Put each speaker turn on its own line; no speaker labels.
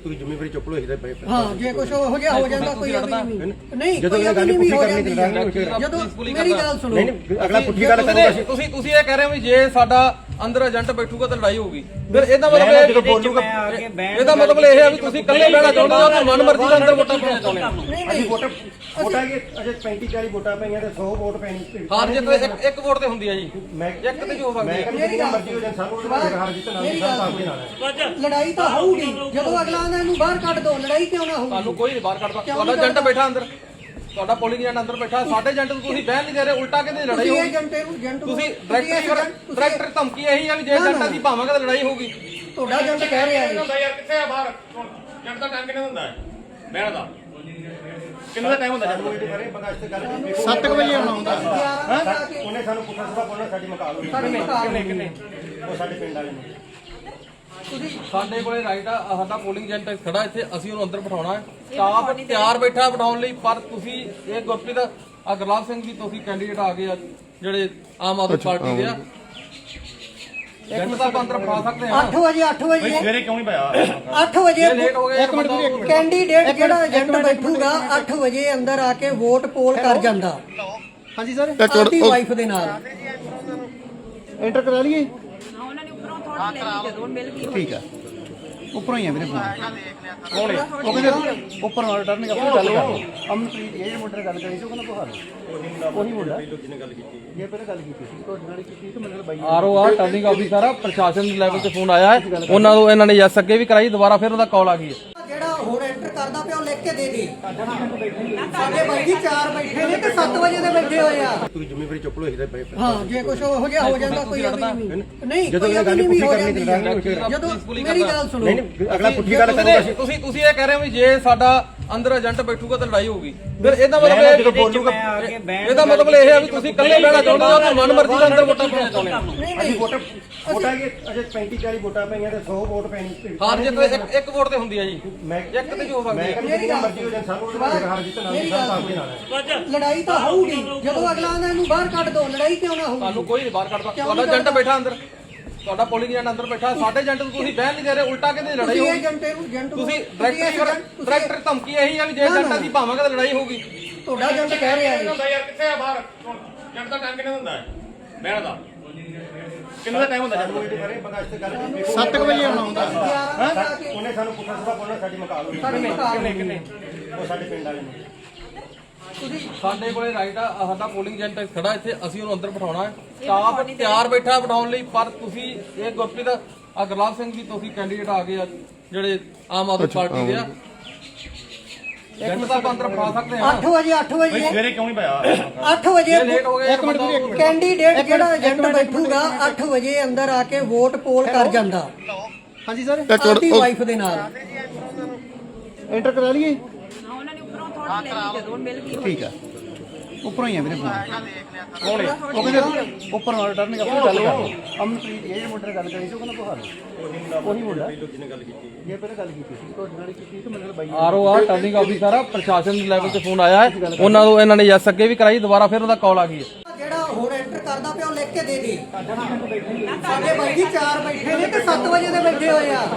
ਤੁਸੀਂ ਜ਼ਿੰਮੇਵਾਰੀ ਚੁੱਕ ਲਓ ਇਹਦਾ
ਹਾਂ ਜੇ ਕੁਝ ਹੋ ਗਿਆ ਹੋ ਜਾਂਦਾ ਕੋਈ ਨਹੀਂ
ਜਦੋਂ ਇਹ ਗੱਲ ਪੁੱਠੀ ਕਰਨੀ ਤੇ
ਜਦੋਂ ਮੇਰੀ ਗੱਲ ਸੁਣੋ
ਨਹੀਂ ਅਗਲਾ ਪੁੱਠੀ ਗੱਲ ਕਰੂਗਾ
ਤੁਸੀਂ ਇਹ ਕਹਿ ਰਹੇ ਹੋ ਵੀ ਜੇ ਸਾਡਾ ਅੰਦਰ ਏਜੰਟ ਬੈਠੂਗਾ ਤਾਂ ਲੜਾਈ ਹੋਊਗੀ ਫਿਰ ਇਹਦਾ ਮਤਲਬ ਇਹ
ਜਦੋਂ ਬੋਲੂਗਾ
ਇਹਦਾ ਮਤਲਬ ਇਹ ਹੈ ਵੀ ਤੁਸੀਂ ਇਕੱਲੇ ਬਹਿਣਾ ਚਾਹੁੰਦੇ ਹੋ ਤੇ ਮਨਮਰਜ਼ੀ ਦਾ ਅੰਦਰ ਵੋਟਾਂ ਪਾਉਣਾ ਚਾਹੁੰਦੇ ਹੋ
ਅਸੀਂ ਵੋਟਾਂ ਅਜੇ 35 40 ਵੋਟਾਂ ਪਈਆਂ ਤੇ 100 ਵੋਟ ਪੈਣੀ
ਹਾਰ ਜਿੱਤ ਇੱਕ ਵੋਟ ਤੇ ਹੁੰਦੀ ਹੈ ਜੀ
ਮੈਂ
ਇੱਕ ਤੇ ਜੋ
ਮੈਂ
ਸਕਦੀ
ਕਹਿੰਦਾ ਮਰਜ਼ੀ ਹੋ ਜਾਣ ਸਾਨੂੰ ਹਾਰ ਜਿੱਤ ਨਾਲ ਸਭ ਸਾਹਮਣੇ ਨਾਲ ਹੈ
ਲੜਾਈ ਤਾਂ ਹੋਊਗੀ ਜਦੋਂ ਅਗਲਾ ਆਂਦਾ ਇਹਨੂੰ ਬਾਹਰ ਕੱਢ ਦੋ ਲੜਾਈ ਕਿਉਂ ਨਾ ਹੋਊਗੀ
ਤੁਹਾਨੂੰ ਕੋਈ ਨਹੀਂ ਬਾਹਰ ਕੱਢਦਾ ਤੁਹਾਡਾ ਏਜੰਟ ਬੈਠਾ ਅੰਦਰ ਤੁਹਾਡਾ ਪੋਲਿੰਗ ਏਜੰਟ ਅੰਦਰ ਬੈਠਾ ਸਾਡੇ ਏਜੰਟ ਨੂੰ ਤੁਸੀਂ ਬਹਿਣ ਨਹੀਂ ਦੇ ਰਹੇ ਉਲਟਾ ਕਹਿੰਦੇ ਲੜਾਈ ਹੋਊਗੀ ਤੁਸੀਂ ਡਾਇਰੈਕਟਰ ਧਮਕੀ ਇਹੀ ਹੈ ਵੀ ਜੇ ਏਜੰਟ ਅਸੀਂ ਭਾਵਾਂਗੇ ਤਾਂ ਲੜਾਈ ਹੋਊਗੀ
ਤੁਹਾਡਾ ਏਜੰਟ ਕਹਿ ਰਿਹਾ ਹੈ
ਯਾਰ ਕਿੱਥੇ ਆ ਬਾਹਰ ਏਜੰਟ ਦਾ ਟਾਈਮ ਕਿੰਨਾ ਹੁੰਦਾ ਹੈ ਬਹਿਣ ਦਾ ਕਿੰਨਾ ਟਾਈਮ ਹੁੰਦਾ
ਸਾਨੂੰ ਇਹਦੇ ਬਾਰੇ ਪਤਾ ਇਸ ਤੇ ਗੱਲ
7 ਵਜੇ ਆਉਣਾ ਹੁੰਦਾ
ਉਹਨੇ ਸਾਨੂੰ ਪੁੱਛਿਆ ਸੀਗਾ ਬੋਲਣਾ ਸਾਡੀ ਮਕਾਲ ਹੋਈ
ਕਿੰਨੇ
ਉਹ ਸਾਡੇ ਪਿੰਡ ਵਾਲੇ ਨੂੰ
ਸਾਡੇ ਕੋਲੇ ਰਾਈਟ ਆ ਸਾਡਾ ਪੋਲਿੰਗ ਏਜੰਟ ਖੜਾ ਇੱਥੇ ਅਸੀਂ ਉਹਨੂੰ ਅੰਦਰ ਬਿਠਾਉਣਾ ਹੈ ਸਟਾਫ ਤਿਆਰ ਬੈਠਾ ਬਿਠਾਉਣ ਲਈ ਪਰ ਤੁਸੀਂ ਇਹ ਗੁਰਪ੍ਰੀਤ ਆ ਗੁਰਲਾਲ ਸਿੰਘ ਵੀ ਤੁਸੀਂ ਕੈਂਡੀਡੇਟ ਆ ਗਏ ਆ ਜਿਹੜੇ ਆਮ ਆਦਮੀ ਪਾਰਟੀ ਦੇ ਆ ਏਜੰਟ ਦਾ ਆਪਾਂ ਅੰਦਰ ਬਿਠਾ ਸਕਦੇ ਹਾਂ
8 ਵਜੇ
ਸਵੇਰੇ ਕਿਉਂ ਨਹੀਂ ਪਾਇਆ
8 ਵਜੇ
ਲੇਟ ਹੋ ਗਏ
ਕੈਂਡੀਡੇਟ ਜਿਹੜਾ ਏਜੰਟ ਬੈਠੂਗਾ 8 ਵਜੇ ਅੰਦਰ ਆ ਕੇ ਵੋਟ ਪੋਲ ਕਰ ਜਾਂਦਾ ਹਾਂਜੀ ਸਰ ਆਪਣੀ ਵਾਈਫ ਦੇ ਨਾਲ
ਐਂਟਰ ਕਰਾ ਲਈਏ
ਉਹਨਾਂ ਨੇ ਉੱਪਰੋਂ ਥੋੜਾ ਲੈ ਲਈ ਜਦੋਂ ਮਿਲ ਗਈ
ਠੀਕ ਆ ਉੱਪਰੋਂ ਹੀ ਆ ਵੀਰੇ ਫੋਨ ਉਹ ਕਹਿੰਦੇ ਉੱਪਰ ਨਾਲ ਟਰਨਿੰਗ ਆਪਣੀ ਗੱਲ ਕਰ ਅਮਨਪ੍ਰੀਤ ਇਹ ਜਿਹੜੇ ਮੁੰਡੇ ਨਾਲ ਗੱਲ ਕਰੀ ਸੀ ਉਹ ਕਹਿੰਦਾ ਬਹਾਲ ਉਹੀ ਮੁੰਡਾ
ਜਿਹਨੇ ਗੱਲ ਕੀਤੀ
ਜੇ ਪਹਿਲਾਂ ਗੱਲ ਕੀਤੀ ਸੀ ਤੁਹਾਡੇ ਨਾਲ ਕੀਤੀ ਤੇ ਮੈਨੂੰ ਬਾਈ
ਆਰਓ ਆ ਟਰਨਿੰਗ ਆਫਿਸਰ ਆ ਪ੍ਰਸ਼ਾਸਨ ਦੇ ਲੈਵਲ ਤੇ ਫੋਨ ਆਇਆ ਹੈ ਉਹਨਾਂ ਨੂੰ ਇਹਨਾਂ ਨੇ ਯੈਸ ਅੱਗੇ ਵੀ ਕਰਾਈ ਦੁਬਾਰਾ ਫਿਰ ਉਹਦਾ ਕਾਲ ਆ ਗਈ ਹੈ
ਜਿਹੜਾ ਹੁਣ ਐਂਟਰ ਕਰਦਾ ਪਿਆ ਉਹ ਲਿਖ ਕੇ ਦੇ ਦੇ ਸਾਡੇ ਬਾਈ ਜੀ 4 ਬੈਠੇ ਨੇ ਤੇ 7 ਵਜੇ ਦੇ ਬੈਠੇ ਹੋਏ ਆ
ਤੁਸੀਂ ਜ਼ਿੰਮੇਵਾਰੀ ਚੁੱਕ ਲਓ ਇਹਦਾ
ਹਾਂ ਜੇ ਕੁਝ ਹੋ ਗਿਆ ਹੋ ਜਾਂਦਾ ਕੋਈ ਨਹੀਂ
ਜਦੋਂ ਇਹ ਗੱਲ ਪੁੱਠੀ ਕਰਨੀ ਤੇ
ਜਦੋਂ ਮੇਰੀ ਗੱਲ ਸੁਣੋ
ਨਹੀਂ ਅਗਲਾ ਪੁੱਠੀ ਗੱਲ ਕਰੂਗਾ
ਤੁਸੀਂ ਇਹ ਕਹਿ ਰਹੇ ਹੋ ਵੀ ਜੇ ਸਾਡਾ ਅੰਦਰ ਏਜੰਟ ਬੈਠੂਗਾ ਤਾਂ ਲੜਾਈ ਹੋਊਗੀ ਫਿਰ ਇਹਦਾ ਮਤਲਬ ਇਹ
ਜਦੋਂ ਬੋਲੂਗਾ
ਇਹਦਾ ਮਤਲਬ ਇਹ ਹੈ ਵੀ ਤੁਸੀਂ ਇਕੱਲੇ ਬਹਿਣਾ ਚਾਹੁੰਦੇ ਹੋ ਤੇ ਮਨਮਰਜ਼ੀ ਦਾ ਅੰਦਰ ਵੋਟਾਂ ਪਾਉਣਾ ਚਾਹੁੰਦੇ ਹੋ
ਅਸੀਂ ਵੋਟਾਂ ਅਜੇ 35 40 ਵੋਟਾਂ ਪਈਆਂ ਤੇ 100 ਵੋਟ ਪੈਣੀ
ਹਾਰ ਜਿੱਤ ਇੱਕ ਵੋਟ ਤੇ ਹੁੰਦੀ ਹੈ ਜੀ
ਮੈਂ
ਇੱਕ ਤੇ ਜੋ ਸਕਦੀ
ਮੈਂ ਕਹਿੰਦਾ ਮਰਜ਼ੀ ਹੋ ਜਾਣ ਸਾਨੂੰ ਹਾਰ ਜਿੱਤ ਨਾਲ ਸਭ ਸਾਹਮਣੇ ਨਾਲ ਹੈ
ਲੜਾਈ ਤਾਂ ਹੋਊਗੀ ਜਦੋਂ ਅਗਲਾ ਆਂਦਾ ਇਹਨੂੰ ਬਾਹਰ ਕੱਢ ਦੋ ਲੜਾਈ ਕਿਉਂ ਨਾ ਹੋਊਗੀ
ਤੁਹਾਨੂੰ ਕੋਈ ਨਹੀਂ ਬਾਹਰ ਕੱਢਦਾ ਤੁਹਾਡਾ ਏਜੰਟ ਬੈਠਾ ਅੰਦਰ ਤੁਹਾਡਾ ਪੋਲਿੰਗ ਏਜੰਟ ਅੰਦਰ ਬੈਠਾ ਸਾਡੇ ਏਜੰਟ ਨੂੰ ਤੁਸੀਂ ਬਹਿਣ ਨਹੀਂ ਦੇ ਰਹੇ ਉਲਟਾ ਕਹਿੰਦੇ ਲੜਾਈ ਹੋਊਗੀ ਤੁਸੀਂ ਡਾਇਰੈਕਟਰ ਧਮਕੀ ਇਹੀ ਹੈ ਵੀ ਜੇ ਏਜੰਟ ਅਸੀਂ ਭਾਵਾਂਗੇ ਤਾਂ ਲੜਾਈ ਹੋਊਗੀ
ਤੁਹਾਡਾ ਏਜੰਟ ਕਹਿ ਰਿਹਾ ਹੈ
ਯਾਰ ਕਿੱਥੇ ਆ ਬਾਹਰ ਏਜੰਟ ਦਾ ਟਾਈਮ ਕਿੰਨਾ ਹੁੰਦਾ ਹੈ ਬਹਿਣ ਦਾ ਕਿੰਨਾ ਟਾਈਮ ਹੁੰਦਾ
ਸਾਨੂੰ ਇਹਦੇ ਬਾਰੇ ਪਤਾ ਇਸ ਤੇ ਗੱਲ
7 ਵਜੇ ਆਉਣਾ ਹੁੰਦਾ
ਉਹਨੇ ਸਾਨੂੰ ਪੁੱਛਿਆ ਸੀਗਾ ਬੋਲਣਾ ਸਾਡੀ ਮਕਾਲ ਹੋਈ
ਕਿੰਨੇ
ਉਹ ਸਾਡੇ ਪਿੰਡ ਵਾਲੇ ਨੂੰ
ਸਾਡੇ ਕੋਲੇ ਰਾਈਟ ਆ ਸਾਡਾ ਪੋਲਿੰਗ ਏਜੰਟ ਖੜਾ ਇੱਥੇ ਅਸੀਂ ਉਹਨੂੰ ਅੰਦਰ ਬਿਠਾਉਣਾ ਹੈ ਸਟਾਫ ਤਿਆਰ ਬੈਠਾ ਬਿਠਾਉਣ ਲਈ ਪਰ ਤੁਸੀਂ ਇਹ ਗੁਰਪ੍ਰੀਤ ਆ ਗੁਰਲਾਲ ਸਿੰਘ ਵੀ ਤੁਸੀਂ ਕੈਂਡੀਡੇਟ ਆ ਗਏ ਆ ਜਿਹੜੇ ਆਮ ਆਦਮੀ ਪਾਰਟੀ ਦੇ ਆ ਏਜੰਟ ਦਾ ਆਪਾਂ ਅੰਦਰ ਬਿਠਾ ਸਕਦੇ ਹਾਂ
8 ਵਜੇ
ਸਵੇਰੇ ਕਿਉਂ ਨਹੀਂ ਪਾਇਆ
8 ਵਜੇ
ਲੇਟ ਹੋ ਗਏ
ਕੈਂਡੀਡੇਟ ਜਿਹੜਾ ਏਜੰਟ ਬੈਠੂਗਾ 8 ਵਜੇ ਅੰਦਰ ਆ ਕੇ ਵੋਟ ਪੋਲ ਕਰ ਜਾਂਦਾ
ਹਾਂਜੀ ਸਰ
ਆਪਣੀ ਵਾਈਫ ਦੇ ਨਾਲ
ਐਂਟਰ ਕਰਾ ਲਈਏ
ਉਹਨਾਂ ਨੇ ਉੱਪਰੋਂ ਥੋੜਾ ਲੈ ਲਈ ਜਦੋਂ ਮਿਲ ਗਈ
ਠੀਕ ਆ ਉੱਪਰੋਂ ਹੀ ਆ ਵੀਰੇ ਫੋਨ ਉਹ ਕਹਿੰਦੇ ਉੱਪਰ ਨਾਲ ਟਰਨਿੰਗ ਆਪਣੀ ਗੱਲ ਕਰ ਅਮਨਪ੍ਰੀਤ ਇਹ ਜਿਹੜੇ ਮੁੰਡੇ ਨਾਲ ਗੱਲ ਕਰੀ ਸੀ ਉਹ ਕਹਿੰਦਾ ਬਹਾਲ ਉਹੀ ਮੁੰਡਾ
ਜਿਹਨੇ ਗੱਲ ਕੀਤੀ
ਜੇ ਪਹਿਲਾਂ ਗੱਲ ਕੀਤੀ ਸੀ ਤੁਹਾਡੇ ਨਾਲ ਕੀਤੀ ਤੇ ਮੈਨੂੰ ਬਾਈ
ਆਰਓ ਆ ਟਰਨਿੰਗ ਆਫਿਸਰ ਆ ਪ੍ਰਸ਼ਾਸਨ ਦੇ ਲੈਵਲ ਤੇ ਫੋਨ ਆਇਆ ਹੈ ਉਹਨਾਂ ਨੂੰ ਇਹਨਾਂ ਨੇ ਯੈਸ ਅੱਗੇ ਵੀ ਕਰਾਈ ਦੁਬਾਰਾ ਫਿਰ ਉਹਦਾ ਕਾਲ ਆ ਗਈ ਹੈ
ਜਿਹੜਾ ਹੁਣ ਐਂਟਰ ਕਰਦਾ ਪਿਆ ਉਹ ਲਿਖ ਕੇ ਦੇ ਦੇ ਸਾਡੇ ਬਾਈ ਜੀ 4 ਬੈਠੇ ਨੇ ਤੇ 7 ਵਜੇ ਦੇ ਬੈਠੇ ਹੋਏ ਆ